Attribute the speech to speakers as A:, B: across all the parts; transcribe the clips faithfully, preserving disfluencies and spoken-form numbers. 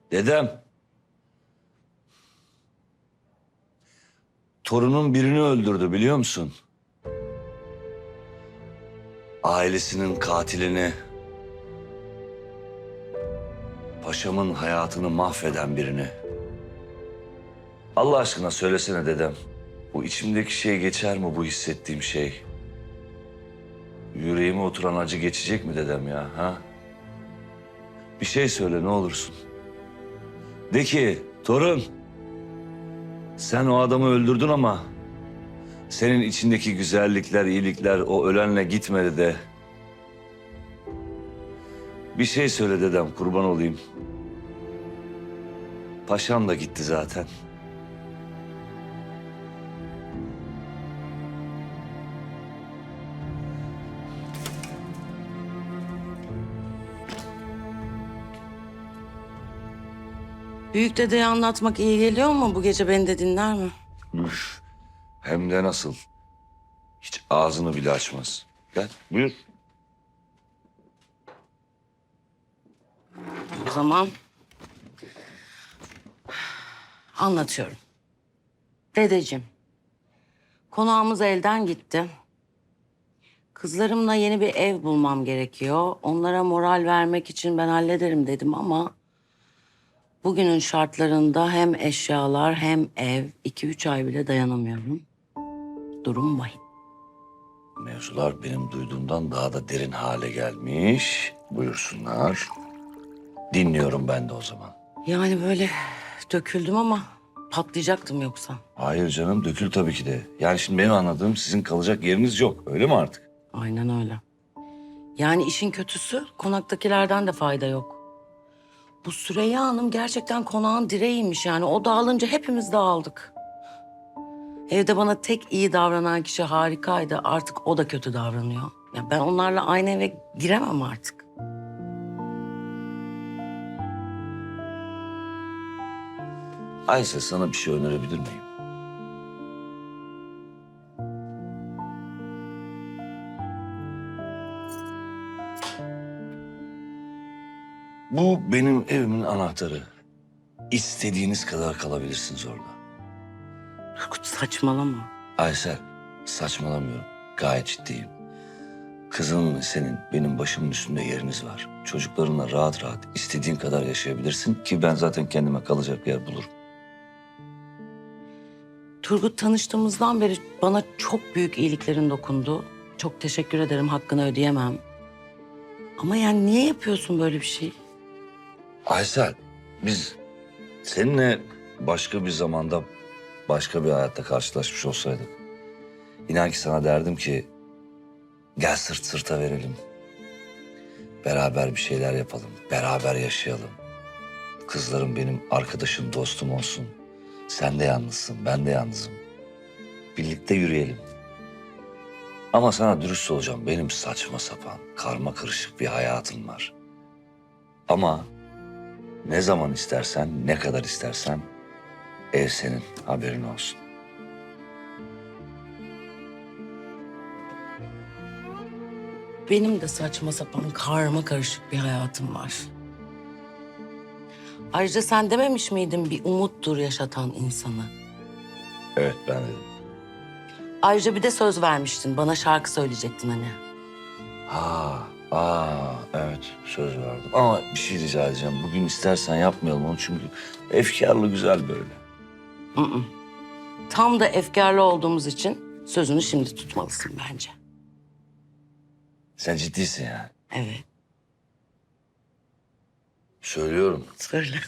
A: Dedem. Torunun birini öldürdü biliyor musun? Ailesinin katilini, paşamın hayatını mahveden birini. Allah aşkına söylesene dedem. Bu içimdeki şey geçer mi, bu hissettiğim şey? Yüreğime oturan acı geçecek mi dedem ya, ha? Bir şey söyle ne olursun. De ki, torun, sen o adamı öldürdün ama senin içindeki güzellikler, iyilikler o ölenle gitmedi de. Bir şey söyle dedem, kurban olayım. Paşam da gitti zaten.
B: Büyük dedeye anlatmak iyi geliyor mu? Bu gece beni de dinler mi?
A: Üf, hem de nasıl. Hiç ağzını bile açmaz. Gel, buyur.
B: O zaman anlatıyorum. Dedeciğim, konağımız elden gitti. Kızlarımla yeni bir ev bulmam gerekiyor. Onlara moral vermek için ben hallederim dedim ama bugünün şartlarında hem eşyalar hem ev iki üç ay bile dayanamıyorum. Durum vahim.
A: Mevzular benim duyduğumdan daha da derin hale gelmiş. Buyursunlar. Dinliyorum ben de o zaman.
B: Yani böyle döküldüm ama patlayacaktım yoksa.
A: Hayır canım, dökül tabii ki de. Yani şimdi benim anladığım sizin kalacak yeriniz yok. Öyle mi artık?
B: Aynen öyle. Yani işin kötüsü konaktakilerden de fayda yok. Bu Süreyya Hanım gerçekten konağın direğiymiş yani. O dağılınca hepimiz dağıldık. Evde bana tek iyi davranan kişi Harika'ydı. Artık o da kötü davranıyor. Ya ben onlarla aynı eve giremem artık.
A: Ayşe, sana bir şey önerebilir miyim? Bu benim evimin anahtarı. İstediğiniz kadar kalabilirsiniz orada.
B: Turgut saçmalama.
A: Aysel, saçmalamıyorum. Gayet ciddiyim. Kızın senin, benim başımın üstünde yeriniz var. Çocuklarınla rahat rahat istediğin kadar yaşayabilirsin ki ben zaten kendime kalacak yer bulurum.
B: Turgut tanıştığımızdan beri bana çok büyük iyiliklerin dokundu. Çok teşekkür ederim, hakkını ödeyemem. Ama yani niye yapıyorsun böyle bir şey?
A: Aysel, biz seninle başka bir zamanda, başka bir hayatta karşılaşmış olsaydık, İnan ki sana derdim ki, gel sırt sırta verelim. Beraber bir şeyler yapalım, beraber yaşayalım. Kızlarım benim arkadaşım, dostum olsun. Sen de yalnızsın, ben de yalnızım. Birlikte yürüyelim. Ama sana dürüst olacağım, benim saçma sapan, karma karışık bir hayatım var. Ama ne zaman istersen, ne kadar istersen ev senin, haberin olsun.
B: Benim de saçma sapan karma karışık bir hayatım var. Ayrıca sen dememiş miydin bir umuttur yaşatan insanı?
A: Evet, ben dedim.
B: Ayrıca bir de söz vermiştin. Bana şarkı söyleyecektin hani.
A: Ha, aa, evet söz verdim. Ama bir şey rica edeceğim. Bugün istersen yapmayalım onu çünkü efkarlı güzel böyle.
B: Hı hı. Tam da efkarlı olduğumuz için sözünü şimdi tutmalısın bence.
A: Sen ciddisin yani.
B: Evet.
A: Söylüyorum.
B: Söyle.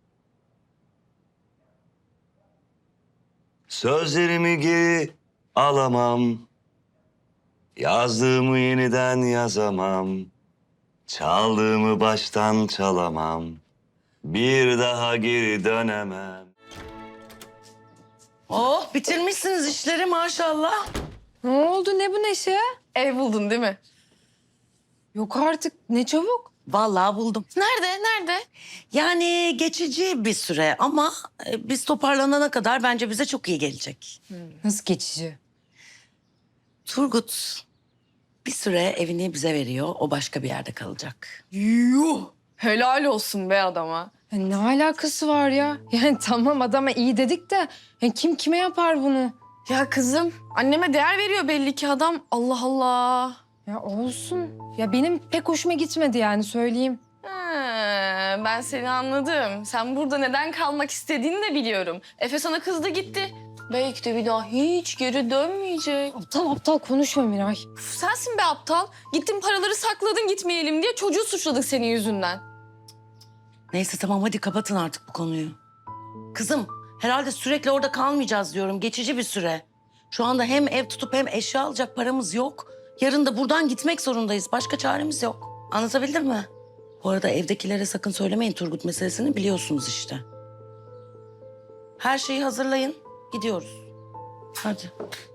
A: Sözlerimi geri alamam. Yazdığımı yeniden yazamam. Çaldığımı baştan çalamam. Bir daha geri dönemem.
B: Oh bitirmişsiniz işleri maşallah.
C: Ne oldu ne bu neşe? Ev buldun değil mi? Yok artık ne çabuk.
B: Vallahi buldum.
C: Nerede nerede?
B: Yani geçici bir süre ama e, biz toparlanana kadar bence bize çok iyi gelecek.
C: Nasıl geçici?
B: Turgut bir süre evini bize veriyor. O başka bir yerde kalacak.
C: Yuh! Helal olsun be adama. Ya ne alakası var ya? Yani tamam adama iyi dedik de ya kim kime yapar bunu?
D: Ya kızım, anneme değer veriyor belli ki adam. Allah Allah.
C: Ya olsun. Ya benim pek hoşuma gitmedi yani söyleyeyim.
D: Ha, ben seni anladım. Sen burada neden kalmak istediğini de biliyorum. Efe sana kızdı gitti. Belki de bir daha hiç geri dönmeyecek.
C: Aptal aptal konuşma Miray.
D: Uf, sensin be aptal. Gittin paraları sakladın gitmeyelim diye çocuğu suçladık senin yüzünden.
B: Neyse tamam hadi kapatın artık bu konuyu. Kızım herhalde sürekli orada kalmayacağız diyorum. Geçici bir süre. Şu anda hem ev tutup hem eşya alacak paramız yok. Yarın da buradan gitmek zorundayız. Başka çaremiz yok. Anlatabildim mi? Bu arada evdekilere sakın söylemeyin Turgut meselesini biliyorsunuz işte. Her şeyi hazırlayın. Gidiyoruz. Hadi.